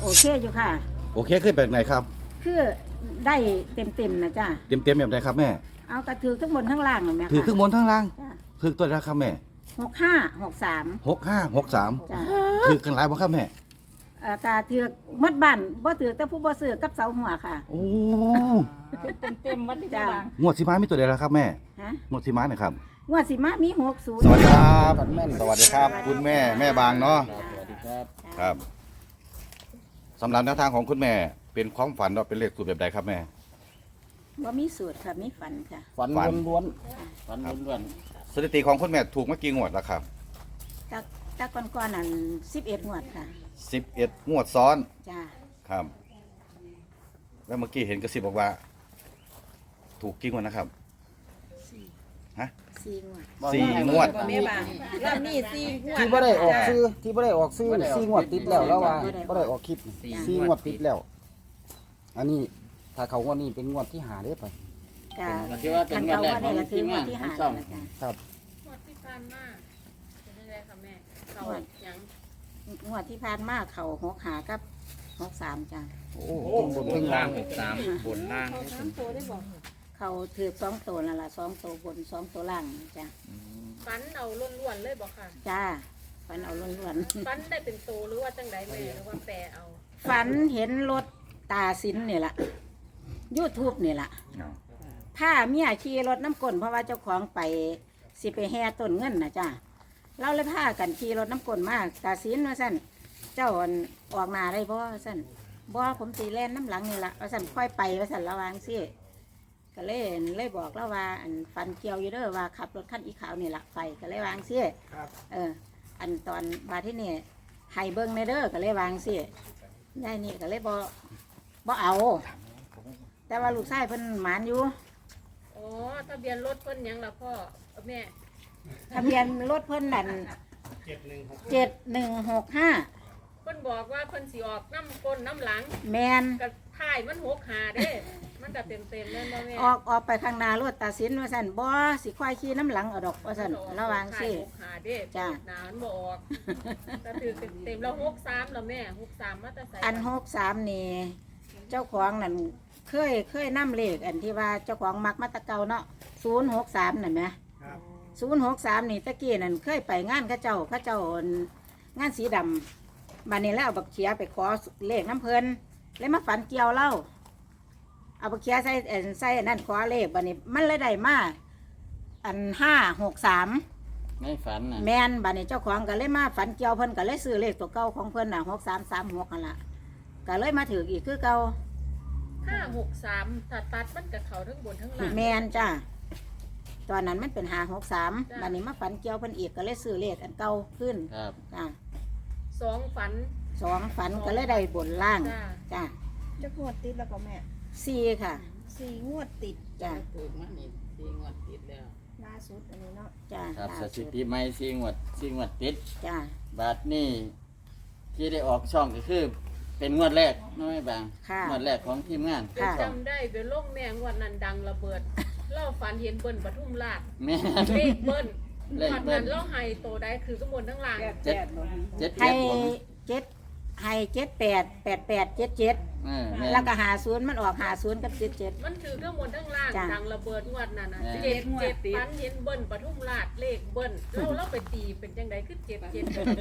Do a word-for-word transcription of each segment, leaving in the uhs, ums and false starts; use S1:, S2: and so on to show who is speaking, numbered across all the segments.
S1: โอเคอยู่ค่ะ
S2: โอเคขึ้นแบบไหนครับ
S1: คือได้เต็มเต็มๆนะจ้า
S2: เต็มเต็มๆแบบไหนครับแม่
S1: เอากระถือทั้งบนทั้งล่างเลยไหมคะ
S2: ถือขึ้นบนทั้งล่าง
S1: จ้า
S2: ถือตัวละครับแม่
S1: หกห้าหกสาม
S2: หกห้าหกสาม
S1: จ้า
S2: ถือกันหลายบ่ครับแม่
S1: เอ่อกระถือมัดบ้านบ่ถือแต่ผู้บ่ซื้อกับเสาหัวค่ะ
S2: โอ้
S1: เต็มเต็มวัดจ้าง
S2: วดสีม้ามีตัวเดียวแล้วครับแม่
S1: ฮะ
S2: งวดสีม้าหน่อยครับ
S1: งวดสิมามีหกศูนย์
S2: สวัสดีครับ สวัสดีครับ คุณแม่แม่บางเนาะ
S3: สวัสดีครับ
S2: ครับสำหรับแนวทางของคุณแม่เป็นความฝันว่าเป็นเลขสูตรแบบใดครับแม่
S1: ว่ามีสูตรค่ะมีฝันค่ะ
S3: ฝัน
S2: ฝัน
S3: ล้วนๆฝันล้วน
S2: สถิติของคุณแม่ถูกเมื่อกี่งวดแล้วครับ
S1: ตะตะก่อนๆนั่นสิบเอ็ดงวดค่ะ
S2: สิบเอ็ดงวดซ้อน
S1: จ้า
S2: ครับ แล้วเมื่อกี้เห็นกระซิบบอกว่า ถูกกี่งวดนะครับ
S1: สี่
S2: ฮะ
S1: สี่งวด
S3: ๆ
S2: สี่งวด
S4: แม่บางรอบนี้สี่งวด
S5: ที่บ่ได้ออกซื้อที่บ่ได้ออกซื้อสี่งวดติดแล้วแล้วว่าบ่ได้ออกคลิปสี่งวดติดแล้ว อันนี้ถ้าเขางวดนี้เป็นงวดที่หาได้ไป
S1: ก็
S3: ก็ถือว่าเป็นงวดแรกของ
S1: ก็ถื
S3: ที
S1: อ
S3: ม
S1: งว
S3: งา
S1: ด
S3: น
S1: ที่
S3: ขอ
S1: ห้าง
S3: ช่อง
S1: แล้วจ้ะ
S5: ครับ
S4: งวดที่ผ่านมาเป็นยังไงคะแม่เขายัง
S1: งวดที่ผ่านมาเขาหกหากับหกสามจ้า
S5: โอ้เป็นบนเป็นล่าง
S3: สามบนล่าง
S4: เขาสามตัวได้บอก
S1: เขาถือสองตัวนั่นแหละสองตัวบนสองตัวล่างจ้า
S4: ฟันเอาล้วนๆเลยบอกค่ะ
S1: จ้าฝันเอาล้วน
S4: ฟันได้เป็นตัวหรือว่าจังไดแม่หรือว่าแปรเอา
S1: ๆฝันเห็นรถตาสินนี่แหละยูทูบนี่แหละผ้าเมียขี่รถน้ำกลนเพราะว่าเจ้าของไปสิไปแห่ต้นเงินนะจ้าเราเลยพากันขี่รถน้ำกลนมาตาสินว่าสั่นเจ้าอั่นออกหนาได้บ่ว่าสั่นบ่ผมสีแล่นน้ำหลังนี่แหละว่าสั่นค่อยไปว่าสั่นระวังสิก็เลยเลยบอกแล้วว่าอันฟันเกี่ยวอยู่เด้อว่าขับรถคันอีขาวนี่แหละไปก็เลยวางสิเออ อันตอนบาที่นี่ไฮเบิ้งในเด้อก็เลยวางสิยายนี่ก็เลยบ่บ่เอา แต่ว่าลูกชายเพิ่นหมานอยู่
S4: อ๋อทะเบียนรถเพิ่นยังล่ะพ่อแม่
S1: ทะเบียนรถเพิ่นนั่นเจ็ดหนึ่งหกห้า
S4: เพิ่นบอกว่าเพิ่นสิออกน้ำก้นน้ำหลัง
S1: แมน
S4: กับท้ายมันหกหาเด้มันก็เต็มเต็มๆเลยบ่แม่
S1: ออกออกไปข้างหน้ารถตาสินว่าสั่นบ่สิควายขี่น้ำหลังเอาดอกว่าสั่นระวังสิ
S4: ท้ายหกหาเด้
S1: จ้ะ
S4: หนามันบ่ออกก็ถือเต็มเต็มๆแล้วหกสามแล้วแม่หกสามมาแต่ใส่
S1: อันหกสามนี่เจ้าของนั่นเคยเคยนำเลขอันที่ว่าเจ้าของมักมาแตะเกาเนาะศูนย์หกสามนั่นไหมศูนย์หกสามนี่ตะกี้นั่นเคยไปงานเข้าเจ้าเข้าเจ้างานสีดำบันนี้แล้วเอาบักเขียไปขอเลขน้ำเพลินเลยมาฝันเกี่ยวเล่าเอาบักเขียใส่เอิ่นใส่อันนั่นขอเลขบันนี้มันเลยได้มาอันห้าหกสาม
S3: ในฝันน่ะ
S1: แมนบันนี้เจ้าของก็เลยมาฝันเกี่ยวเพิ่นก็เลยซื้อเลขตัวเก่าของเพิ่นน่ะหกสามสามหกนั่นละก็เลยมาถืออีกคือเก่า
S4: ห้าหกสามถ้าตัดมันกับเขาทั้งบนทั้งล่าง
S1: แมนจ้าตอนนั้นมันเป็นหาหกสามบันนี้มาฝันเกี่ยวเพิ่นอีกก็เลยซื้อเลขอันเก่าขึ้น
S3: ครับ
S1: จ้า
S4: สองฝัน
S1: สองฝันก็เลยได้บนล่าง
S4: จ้า
S1: จ้า
S4: จะงวดติดแล้วก็แม่
S1: สี่ค่ะ
S4: สี่งวดติด
S1: จ้า
S3: ถูกมานี่สี่งวดติดแล้ว
S4: ล่าสุดอันนี้เนาะ
S1: จ้า
S3: ครับส
S1: ล่า
S3: ถิ
S1: สุด
S3: ติใหม่สี่งวดสี่งวดติด
S1: จ้า
S3: บาทนี่ที่ได้ออกช่องก็คือ เป็นงวดแรกน้อยบาง
S1: ค่ะ
S3: งวดแรกของทีมงาน
S1: ค่ะ
S3: ช่อง
S4: จำได้เป็นโรคแมงวันนั้นดังระเบิด เล่าฝันเห็นเบิ้ลปทุมราช
S3: แม่
S4: เลขเบิ้ล
S3: เลข
S4: ฝัน
S3: เบิ้
S4: นั้
S3: ล
S4: นเล่าไฮโตได้คือข้างบนทั้งล่าง
S3: เจ็ดเจ็ด
S1: ให้
S3: เจ็ดผม
S1: เจ็ดให้เจ็ดแปดแปดแปดเจ็ดเจ็ด
S3: เออม่น
S1: แล้วก็หาศูนย์มันออกหาศูนย์กับเจ็ดเจ็ด
S4: มันคือข้างบนทั้งล่าง
S1: จ้ะ
S4: ดังระเบิดงวดนั้นนะ
S3: แม่
S4: เจ็ดเจ็ดฝันเห็นเบิ้ลปทุมราชเลขเบิ้ลเล่าเล่าไปตีเป็นยังไงคือเจ็ดเจ็ด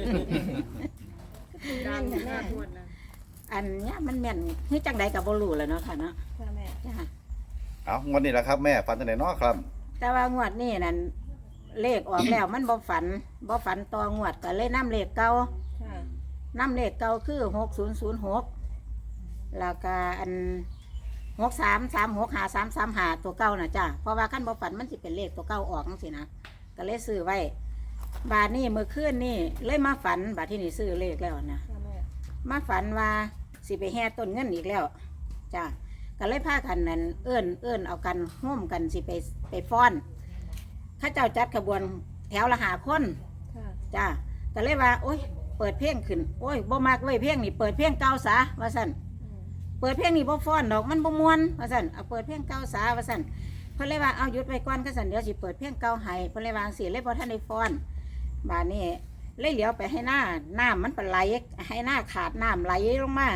S4: ดังมากงวดนั้น
S1: อันเนี้ยมันแม่นคือจังใดกับบรูแหล้วเนาะค่ะเนาะ
S4: ค่ะแม่
S1: จ้า
S2: เอางวดนี้แหละครับแม่ฝันตั้งแต่นอครับ
S1: แต่ว่างวดนี้นั่นเลขออกแล้ว มันบ่ฝันบ่ฝันต่องวดก็เลยนำเลขเก่า
S4: ค่ะ
S1: นำเลขเก่าคือหกศูนย์ศูนย์หกแล้วก็อันหกสามสามหกหาสามสามหาตัวเก่าน่ะจ้าเพราะว่าขั้นบ่ฝันมันสิเป็นเลขตัวเก่าออกจังซี่นะก็เลยซื้อไว้ บาทนี้เมื่อคืนนี่เลยมาฝันบาทที่นี่ซื้อเลขแล้วนะ
S4: ค่ะแม่
S1: มาฝันว่าสิไปแห่ต้นเงินอีกแล้วจ้าก็เลยพากันนั่นเอื้อนเอื้อนเอากันห่วมกันสิไปไปฟ้อนข้าเจ้าจัดขบวนแถวละหาคน
S4: ค่ะ
S1: จ้าก็เลยว่า โอ้ยเปิดเพลงขึ้นโอ้ยบ่มากเว้ยเพลงนี่เปิดเพลงเก่าซะว่าสั่นเปิดเพลงนี่บ่ฟ้อนดอกมันบ่ม่วนว่าสั่นเอาเปิดเพลงเก่าซะว่าสั่นเพิ่นเลยว่าเอาหยุดไว้ก่อนก็สั่นเดี๋ยวสิเปิดเพลงเก่าให้เพิ่นเลยวาจั่งสิเลยบ่ทันได้ฟ้อนบาดนี้เลยเหลียวไปให้หน้าน้ำมันไปไหลให้หน้าขาดน้ำไหลลงมา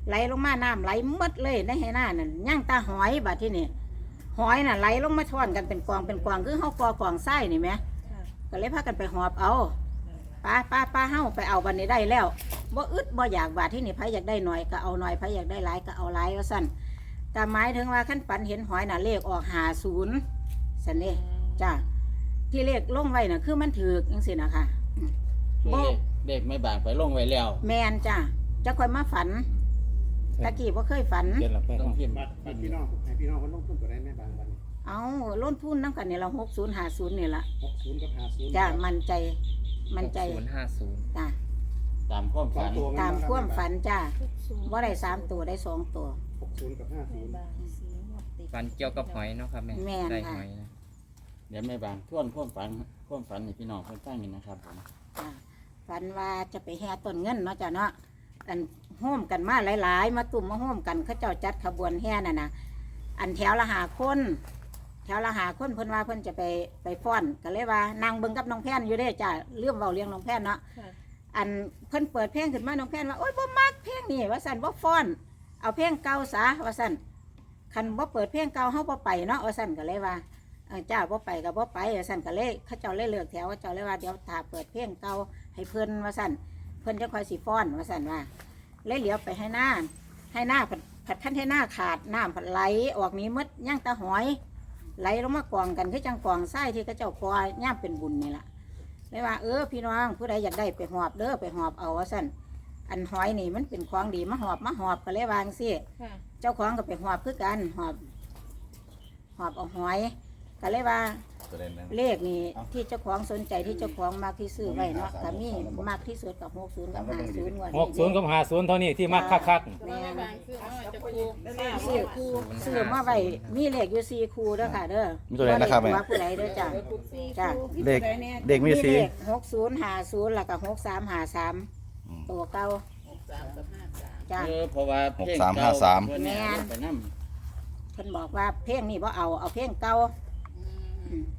S1: ไหลลงมาน้ำไหลหมดเลยในให้หน้านั่นย่างตาหอยบาดที่นี่หอยน่ะไหลลงมาท่อนกันเป็นกองเป็นกองคือเฮากอกองไส้นี่ไหมก็เลยพากันไปหอบเอาป้าป้าป้าเฮาไปเอาบันนี้ได้แล้วบ่อึดบ่อยากบาดที่นี่ไผอยากได้หน่อยก็เอาหน่อยไผอยากได้หลายก็เอาหลายว่าซั่นแต่หมายถึงว่าขั้นปันเห็นหอยน่ะเลขออกห้าสิบซั่นเด้จ้าที่เลขลงไว้น่ะคือมันถูกจังซี่นะคะ
S3: คือเลขเลขไม่บางไปลงไว้แล้ว
S1: แมนจ้าจะค่อยมาฝันตะกี้บ่เคยฝัน
S2: เย็นหลับไป
S3: ต้องพิมพ์
S6: บัตรบัตรพี่น้องให้พี่น้องคนลงทุนตัวได้แม่บางวัน
S1: เอาล้นทุนน้ำกันนี่เราหกศูนย์ห้าศูนย์นี่ละ
S6: หกศูนย์กับห้าศูนย์
S1: จ้ามันใจมันใจ
S7: ศูนย์ห้าศูนย์
S1: จ้า
S3: ตามความ
S6: สอ
S3: ฝั
S6: ง
S3: น
S6: ตัว
S1: ตามความฝันจ้าว่าได้สามตัวได้สองตัว
S6: หกศูนย์กับห้าศูนย์
S7: ฝันเกี่ยวกับหอยเนาะครับแม่
S1: แม่น
S7: ได้
S1: ค่ะ
S7: หอยนะ
S3: เดี๋ยวไม่บางทวนความฝันความฝันให้พี่น้องเพิ่นฟังนี่นะครับผม
S1: จ้าฝันว่าจะไปแห่ต้นเงินเนาะจ้าเนาะอันโฮมกันมาหลายๆ มาตุ่มมาโฮมกันเขาเจ้าจัดขบวนแห่น่ะนะอันแถวละหาคนแถวละหาคนเพิ่นว่าเพิ่นจะไปไปฟ้อนก็เลยว่านางเบิ่งกับน้องแพนอยู่เด้จ้าเรื่องเบาเลี้ยงน้องแพนเนาะ อันเพิ่นเปิดเพลงขึ้นมาน้องแพนว่าโอ๊ยบ่มักเพลงนี่ว่าซั่นบ่ฟ้อนเอาเพลงเก่าซะว่าซั่นคันบ่เปิดเพลงเก่าเฮาบ่ไปเนาะว่าซั่นก็เลยว่าเออเจ้าบ่ไปก็บ่ไปว่าซั่นก็เลยเขาเจ้าเลยเลือกแถวเขาเจ้าเลยว่าเดี๋ยวถ้าเปิดเพลงเก่าให้เพิ่นว่าซั่นเพิ่นจะค่อยสิฟ้อนว่าซั่นว่าเลยเหลียวไปให้หน้าให้หน้าผัดผัดคั้นให้หน้าขาดน้ำผัดไหลออกนี้หมดย่างตาหอยไหลลงมากองกันคือจังกองทรายที่เขาเจ้ากอย่ามเป็นบุญนี่ล่ะเลยว่าเออพี่น้องผู้ใดอยากได้ไปหอบเด้อไปหอบเอาว่าสั่นอันหอยนี่มันเป็นของดีมาหอบมาหอบก็เลยวางสิเจ้าของก็ไปหอบคือกันหอบหอบเอาหอยก็เลยว่า
S2: ตัวเล่นนะ
S1: เลขนี่ที่เจ้าของสนใจที่เจ้าของมากที่ซื้อไว้เนาะก็มีมากที่สุดกับหกศูนย์กับห้าศูนย์วัน
S8: หกศูนย์กับห้าศูนย์เท่านี้ที่มักคัก
S1: แม่
S4: บางคือเอาจะคู
S1: ซื้อคู่ซื้อมาไว้มีเลขอยู่สี่คู่เด้อค่ะเด้อ
S2: มีตัวเล่นนะครับแม่
S1: ว่าผู้ใดเด้อจ้ะจ้ะ
S2: เด็กเด็กมีสี
S1: เลขหกศูนย์ห้าศูนย์แล้วก็หกสามห้าสามตัวเก่าจ้ะ
S3: เออเพราะว่าเพลง
S2: หกสามห้าสาม
S3: เพิ่นเนี่ยเอาไปนํ
S1: เพิ่นบอกว่าเพลงนี้บ่เอาเอาเพลงเก่าอืม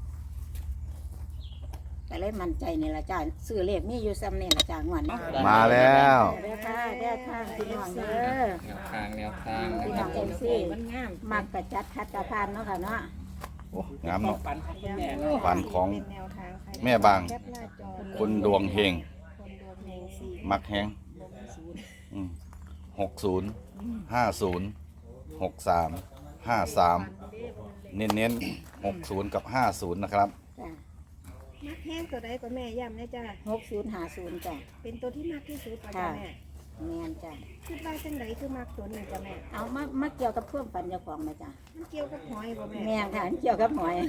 S1: แต่เลยมั่นใจนี่ละจ้ะซื้อเลขมีอยู่ซ้ำนี่ละจ้ะงวดนี้
S2: มาแล้ว
S1: เด้อค่ะเด้อค่ะพี่น้องเด้อ
S7: แนวทางแนวทางนะ
S1: พี่
S7: ค
S1: น้
S7: รั
S1: อบ ง
S7: ผ
S1: เอ็
S7: ม
S1: มซีมักกระจัดคัดกระพานเนาะค่ะเนาะ
S2: โอ้งามเนาะ
S8: ๆปันคุณแม่
S2: ฝันของแม่บางคนดวงเฮงมักแฮงหกศูนย์ห้าศูนย์หกสามห้าสามเน้นเน้นหกศูนย์กับห้าศูนย์นะครับ
S1: จ้ะ
S9: มักแห้งตัวใดก็แม่ย้ำนะจ้ะ
S1: หกศูนย์ห้าศูนย์จ้ะ
S9: เป็นตัวที่มากที่สุดป่ะ
S1: ค่ะ
S9: จ้ะแม่
S1: แม่นจ้ะ
S9: คิดว่าจังไดคือมักตัวนี้จ้ะแม่
S1: เอามามาเกี่ยวกับเพื่อนปันเจ้าของไหมจ้ะ
S9: มันเกี่ยวกับหอยบ่แม่
S1: แม่นค่ะเกี่ยวกับหอย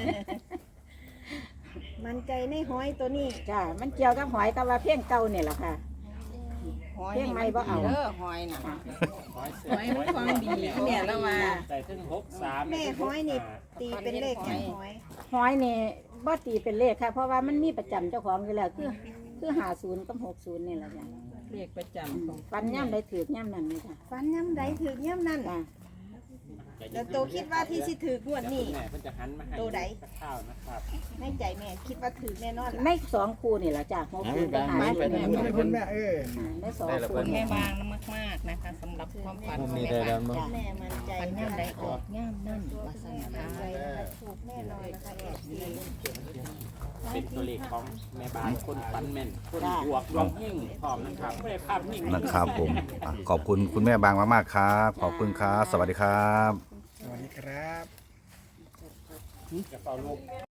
S9: มันใจในหอยตัวนี้
S1: จ้ะมันเกี่ยวกับหอยกับว่าเพียงเก่าเนี่ยแหละค่ะเพียงไม่บ่เอา
S4: หอยมันความดีเนี่ยแล้วว่า
S8: ใส่ถึงหกสาม
S9: แม่หอยนี่ตีเป็นเลขแค่หอย
S1: หอยนี่บ่ตีเป็นเลขค่ะ เพราะว่ามันมีประจำเจ้าของอยู่แล้วคือคือหาศูนย์กับหกศูนย์นี่แหละจ้ะ
S4: เรียกประจำของ
S1: ปันย่ำได้ถือกย่ำนั่นนี่จ้ะ
S9: ฟันย้ำใดถือกย้ำนั่น
S1: จ้ะ
S9: แล้วโตคิดว่าที่สิถือกงวดนี้
S8: แม่เพิ่นจะหันมาให้
S9: ตัวใด
S8: ข้าวนะครับ
S9: ในใจแม่คิดว่าถือแน่นอน
S1: ในสองคู่นี่แหละจ้ะหก
S3: เอา
S1: ศูนย์
S3: ไป
S1: กับหา
S3: บาง
S1: ศูนย์
S3: ไป
S1: นี่
S3: นํ
S1: แหละ
S3: เพิ่น
S1: อ่าในสองคู่
S4: แม่
S1: นี่
S4: บางมากๆนะคะสำหรับความฝัน
S8: มุ
S4: ข
S8: ม
S4: อง
S8: นี้
S4: แม่
S8: ได้
S4: บา
S8: แล้ว
S4: ง
S8: มั้ง
S9: แม่มั่นใจ
S4: ฝันย่ำใดออกย่ำนั่น
S9: ตัว
S4: ว่า
S9: คุณ
S4: สั่น
S9: แม่
S4: นะ
S9: มั่น
S4: คะ
S9: ใจนะคะถูกแน่นอนนะคะเอฟซี
S8: เป็นตัวเลขของแม่บ้านคนปันแม่นคนบวกดวงเฮงพร้อมนะครับไม่ได้ภาพนิ่ง
S2: นะครับผมอ่ะขอบคุณคุณแม่บางมากๆครับ ขอบคุณครับ สวัสดีครับ
S6: สวัสดีครับ
S8: จะเฝ้าลูก